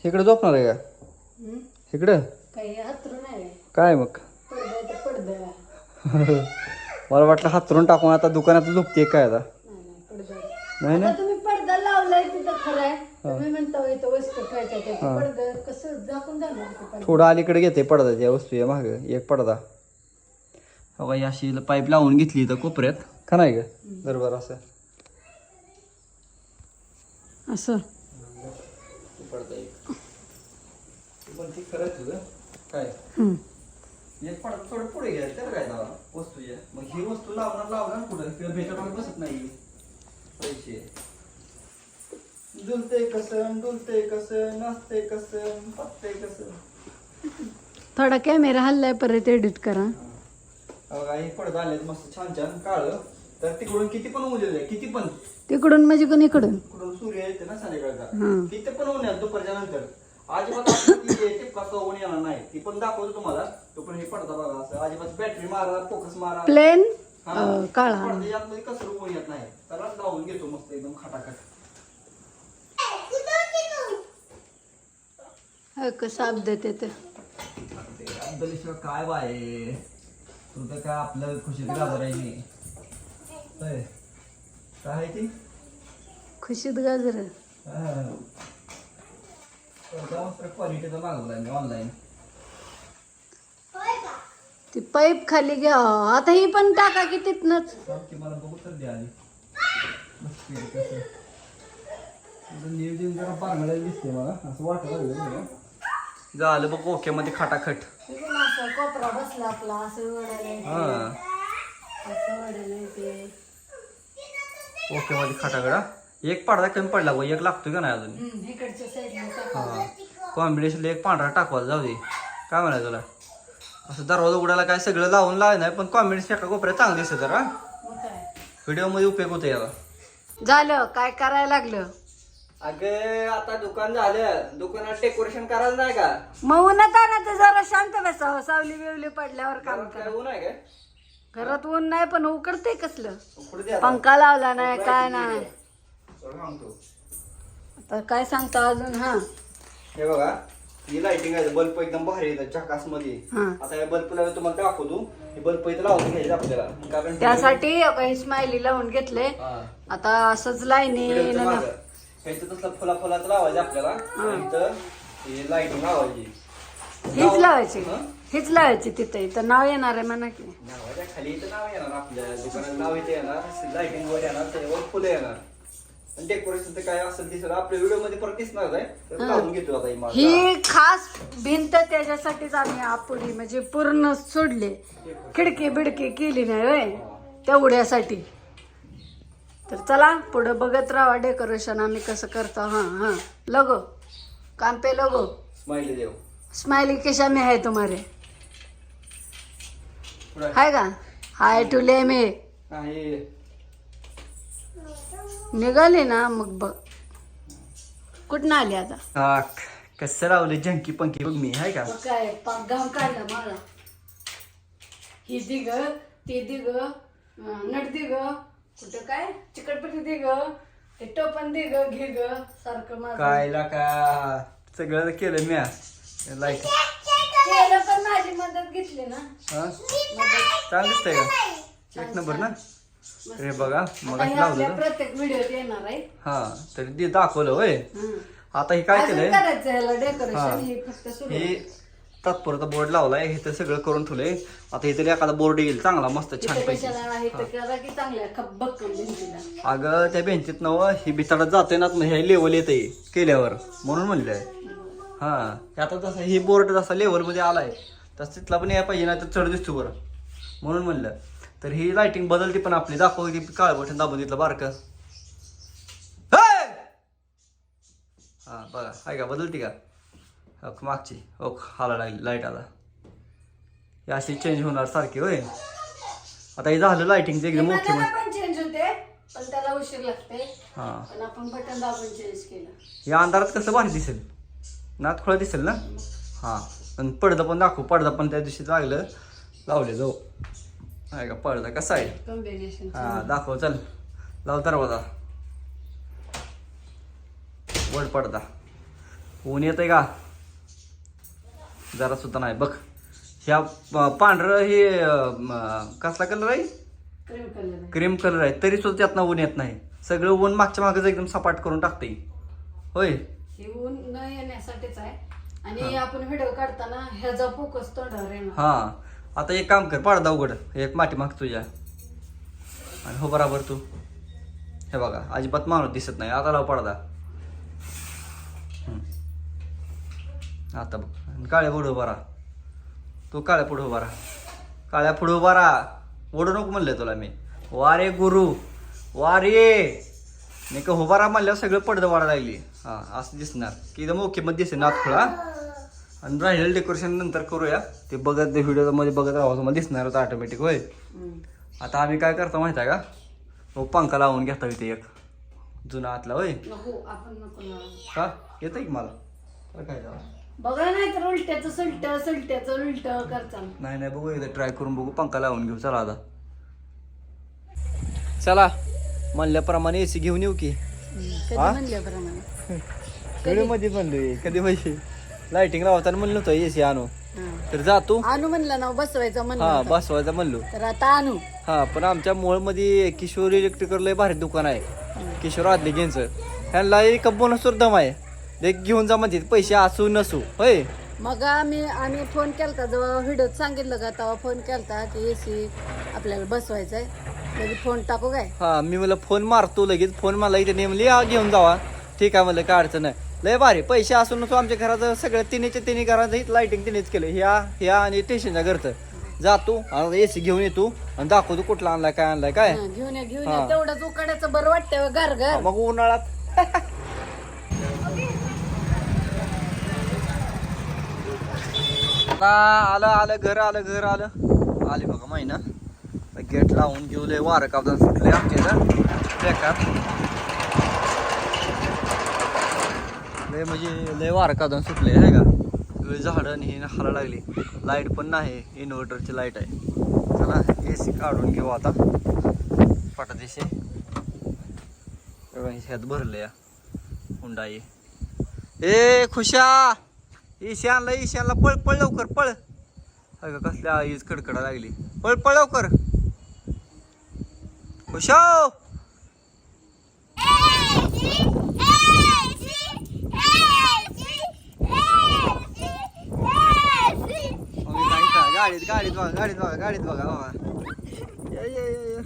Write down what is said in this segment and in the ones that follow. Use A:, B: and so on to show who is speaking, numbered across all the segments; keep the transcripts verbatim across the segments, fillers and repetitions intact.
A: इकडे झोपणार आहे का? इकडं
B: काही हातरून नाही
A: काय मग?
B: पडदा पडदा
A: मला वाटलं हातरून टाकून आता दुकानात झोपते काय आता? नाही ना,
B: तुम्ही पडदा लावलाय तिथं खरं आहे. तुम्ही म्हणता इथं वस्तू ठेवायच्या पडदा कसं झाकून जाणार?
A: थोडं अलीकडे घेते पडदाच्या वस्तू या माग एक पडदा. हो का, अशी पाईप लावून घेतली इथं कोपऱ्यात का नाही का? बरोबर असं
B: असं
A: पडदा एक पण ती खरं तुझं काय एक पडदा थोडं पुढे घ्या त्याला काय लावा वस्तू या. मग ही वस्तू लावणार लावणार कुठं किंवा भेटायला बसत नाही पैसे. डुलते कसं डुलते कसं नाचते कसं पत्ते कसं.
B: थोडा कॅमेरा हल्लाय परत एडिट करा.
A: बघा हे पडदा आले मस्त छान छान काळ. तर तिकडून किती पण ऊन येते किती पण
B: तिकडून म्हणजे कोण इकडून
A: इकडून सूर्य येते ना संध्याकाळचा
B: हं.
A: तिथे पण ऊन आहे दुपारच्या नंतर. अजिबात टिपका ऊन येणार नाही ती पण दाखवतो तुम्हाला. तो पण हे पडदा बघा असं अजिबात बॅटरी मारा फोकस मारा
B: प्लेन
A: हा.
B: काळा
A: पडदा यातमध्ये कसं ऊन येत नाही त्याला लावून घेतो मस्त एकदम खटाखट.
B: साप देते ते
A: अब्दुलेश्वर काय बाय तू तर काय आपलं खुशीत घाबरायची काय आहे ती
B: खुशीत गाजर
A: क्वालिटीचा मागवलाय मी ऑनलाईन.
B: ती पाईप खाली घ्या आता ही पण टाका की तिथनच.
A: मला बघू तर द्या आधी नियोजन जरा पारंगळ्याला दिसते मला असं वाटत लागलं. झालं बघ ओके मध्ये खटाखट.
B: कोपरा बसला आपला असं
A: हा ओके मध्ये खटाखट. एक पडदा कमी पडला बघ एक लागतोय का नाही अजून.
B: इकडच्या साईडला
A: हा कॉम्बिनेशन एक पांढरा टाकवायला जाऊ दे काय म्हणायचं तुला. असं दरवाजा उघडायला काय सगळं लावून लावाय नाही पण कॉम्बिनेशन एका कोपऱ्यात चांगलं दिसत जरा व्हिडिओ मध्ये उपयोग होतो याला.
B: झालं काय करायला लागलं.
A: अगं आता दुकान झालं दुकानात डेकोरेशन करायला नाही का.
B: मग उन्हात आणा तर जरा शांत बसावं सावली बिवली पडल्यावर काम करा.
A: ऊन आहे काय
B: घरात ऊन नाही पण उकडते कसलं.
A: उकडू दे आता.
B: पंखा लावला नाही काय नाही.
A: चल सांगतो.
B: आता काय सांगता अजून. हा
A: हे बघा ही लाइटिंग आहे बल्ब एकदम भारी येतात झकास मध्ये.
B: हा
A: आता या बल्ब ला तुम्हाला दाखवतो हे बल्ब इथं लावून घ्यायचे आपल्याला कारण
B: त्यासाठी काही स्माइली लावून घेतले.
A: हा.
B: आता असंच लाईनी
A: व्हिडिओचं मागं. ह्याचं तसलं फुला फुलाचं लावायचं आपल्याला आणि इथं हे लाइटिंग लावायची
B: हीच लावायची
A: हं?
B: हीच लावायची तिथे इथं नाव येणार आहे म्हणा की.
A: नावाच्या खाली इथं नाव येणार आपल्या दुकानात नाव इथे येणार लाइटिंग वर येणार त्याच्यावर फुलं येणार आणि डेकोरेशन काय असेल ते सगळं आपल्या व्हिडिओ मध्ये परत दिसणार आहे तर लावून घेतो आता ही माझा.
B: ही खास भिंत त्याच्यासाठीच आम्ही आपुडी म्हणजे पूर्ण सोडले खिडकी बिडकी केली नाही होय तेवढ्यासाठी. तर चला पुढे बघत राहा डेकोरेशन आम्ही कसं करतो. हा हा लगो काम पे लगो
A: स्माइली देव
B: स्माइली कशा में है तुम्हारे हाय का हाय टुले में
A: हा हे
B: निघाले ना मग बघ कुठं आली आता.
A: हा कसं लावले जंकी पंकी बघ मी हाय का.
B: मग काय पाक घाम काढला मला. ही दिग ती दिग नट दिग कुठं काय चिकटपट्टी दिग ते टोपण दिग घे ग सारखं माझं
A: कायला का सगळं केलं मी लाईट
B: केलं पण माझी मदत घेतली ना.
A: हा चांगलं दिसतंय का एक नंबर ना. हे बघा मग
B: आता हे आपल्या
A: लावलं
B: प्रत्येक व्हिडिओत येणार आहे.
A: हा तरी ते दाखवलं होय.
B: हं.
A: आता हे काय
B: अजून
A: केलंय
B: करायचं याला
A: हा.
B: डेकोरेशन हे फक्त सुरू
A: हे तात्पुरता बोर्ड लावलाय हे तर सगळं करून ठेवलंय. आता इथे एखादा बोर्ड येईल चांगला मस्त छान
B: इथं
A: पैकी.
B: कशाला आहे तर करा की चांगल्या खब्बक भिंतीला.
A: अगं त्या बेंचीत नव ही बिताडात जाते ना हे लेवल येते केल्यावर म्हणून म्हणलंय. हा आता जसं ही बोर्ड जसा लेवल मध्ये आलाय तसं तिथला पण यायला पाहिजे ना तर चढ दिसतो बरं म्हणून म्हणलं. तर ही लाइटिंग बदलती पण आपली दाखवली काळ बटन दाबून तिथलं बारकं हा बघा आहे का बदलती का ओक मागची ओक हाला लागली लाईट आता ही अशी चेंज होणार सारखी होय. आता हे झालं लाइटिंगचं एकदम मोठी
B: पण चेंज होते पण त्याला उशीर लागते.
A: हा
B: पण आपण बटन दाबून चेंज केलं.
A: या अंधारात कसं भारी दिसेल नात खोळा दिसेल ना. हा पण पडदा पण दाखवू पडदा पण त्या दिवशी लागलं लावले जाऊ आहे का पडदा कसा आहे
B: कॉम्बिनेशन
A: हा दाखव चल लाव दरवाजा वर पडदा ऊन येतंय का जरा सुद्धा नाही बघ. ह्या प- पांढरं हे अं, म, कसला कलर आहे
B: क्रीम कलर
A: क्रीम कलर आहे तरी सुद्धा त्यातनं ऊन येत नाही. सगळं ऊन मागच्या मागच एकदम सपाट करून टाकते होय.
B: हे ऊन न येण्यासाठीच आहे. आणि आपण व्हिडिओ काढताना ह्याचा फोकस तोंडावर येणार.
A: हा आता एक काम कर पडदा उघड एक माठी माग तुझ्या आणि हो बराबर तू हे बघा अजिबात माणूस दिसत नाही. आता लाव पडदा. हम्म. आता बघ आणि काळ्या पुढं उभा राहा. तू काळ्या पुढं उभा राहा. काळ्या पुढं उभा राहा. ओढू नको म्हणलंय तुला मी. वारे गुरु वारे मी का उभा राहा म्हणल्यावर सगळं पडदं वाढा लागली. हा असं दिसणार की एकदम ओके मध्ये दिसेल नाथ खुळा. आणि राहिलेलं डेकोरेशन नंतर करूया. ते बघत ते व्हिडिओ मध्ये बघत राहा तुम्हाला दिसणार होतं ऑटोमॅटिक होय.
B: हम्म.
A: आता आम्ही काय करतो माहिती आहे का मग पंखा लावून घेता इथे एक जुना आतला होय.
B: नको आपण नको ना.
A: का येतं की मला तर काय झालं?
B: बघा नाही तर उलट्याचं सलट सलट्याचं उलट करताना.
A: नाही नाही बघू एकदा ट्राय करून बघू पंखा लावून घेऊ. चला आता चला म्हणल्याप्रमाणे एसी घेऊन येऊ की.
B: कधी
A: हा?
B: म्हणल्याप्रमाणे
A: कधी मध्ये म्हणलोय कधी म्हणजे लाइटिंग लावताना म्हणलं होतं एसी आणू
B: हा.
A: तर जातो.
B: आणू म्हणलं ना बसवायचं
A: हा
B: म्हणलं होतं.
A: बसवायचा म्हणलो.
B: तर आता आणू.
A: हा पण आमच्या मोळमध्ये किशोर इलेक्ट्रिकल लय भारी दुकान आहे. किशोर आदले घ्यायचं ह्यांना एक बोनस दम आहे. एक घेऊन जा म्हणते पैसे असू नसू होय.
B: मग आम्ही आम्ही फोन केलता जेव्हा व्हिडिओत सांगितलं का तेव्हा फोन केलता की एसी आपल्याला बसवायचा आहे. लगेच फोन टाकू काय.
A: हा मी मला फोन मारतो लगेच. फोन मला इथे नेमली हा घेऊन जावा. ठीक आहे म्हणलं काय अडचण नाही. लय भारी पैसे असून नसू आमच्या घराचं सगळं तिन्हीच्या तिन्ही घराचं लाइटिंग तिनेच केलं. ह्या ह्या आणि स्टेशनच्या घरचं जातो आणि एसी घेऊन येतो आणि दाखवतो कुठला आणलाय काय आणलाय काय.
B: हा, घेऊन या घेऊन
A: हा.
B: या तेवढंच उकाड्याचं बरं वाटतंय घर घर.
A: मग उन्हाळ्यात आता आलं आलं घर आलं घर आलं आले बघा महिना गेट लावून घेऊ. लय वारं कापदान सुटले आमच्या इथं बेकार. लय म्हणजे लय वारं कापदान सुटले आहे का. सगळी झाडं आणि हे हाला लागली. लाईट पण नाही इन्व्हर्टरची लाईट आहे. चला ए सी काढून घेऊ आता पटादिशी. ह्यात भरलं या हुंडाई. ए खुशा ईशी आणला ईशी आणला पळ पळ लवकर पळ. का कसल्या ईज कडकडा लागली. पळ पळ लवकर खुशा. गाडीत गाडीत बघा गाडीत बघा गाडीत बघा बाबा. ये, ये, ये, ये.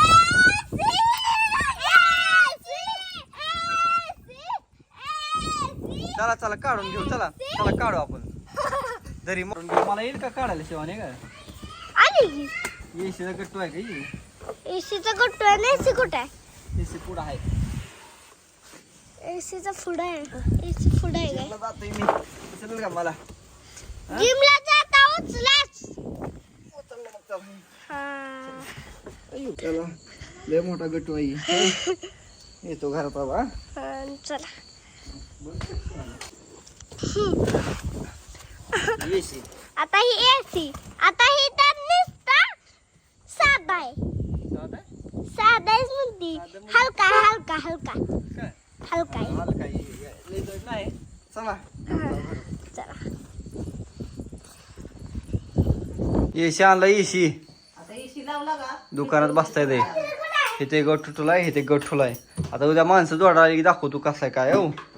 A: चला चला काढून घेऊ. चला चला काढू आपण जरी मारून घेऊ. मला येईल का काढायला शिवाने का
C: आली
A: एसीचा गट्टू आहे का ही?
C: एसीचा गट्टू आहे ना एसी कुठे आहे
A: एसी पुढं आहे.
C: एसीचा पुढे आहे एसी पुढे आहे काय
A: जिमला जातोय मी उचलेल का मला.
C: जिमला जाता उचलाच
A: उचललं मग चला.
C: हा
A: चला लय मोठा गट्टू आहे. येतो घरात बाबा.
C: हा, चला
A: एसी
C: आता ही एसी आता ही तर नुसता साधा आहे
A: साधा
C: साधा आहे म्हणती हलका हलका हलका
A: काय
C: हलका आहे
A: मला काही लय जड नाही. चला
C: चला
A: एसी आणला एसी.
B: आता एसी लावला का
A: दुकानात बसता येते. इथे गट ठुलाय इथे गट ठुलाय. आता उद्या माणसं जोडा आली की दाखवतो कसं आहे काय हो.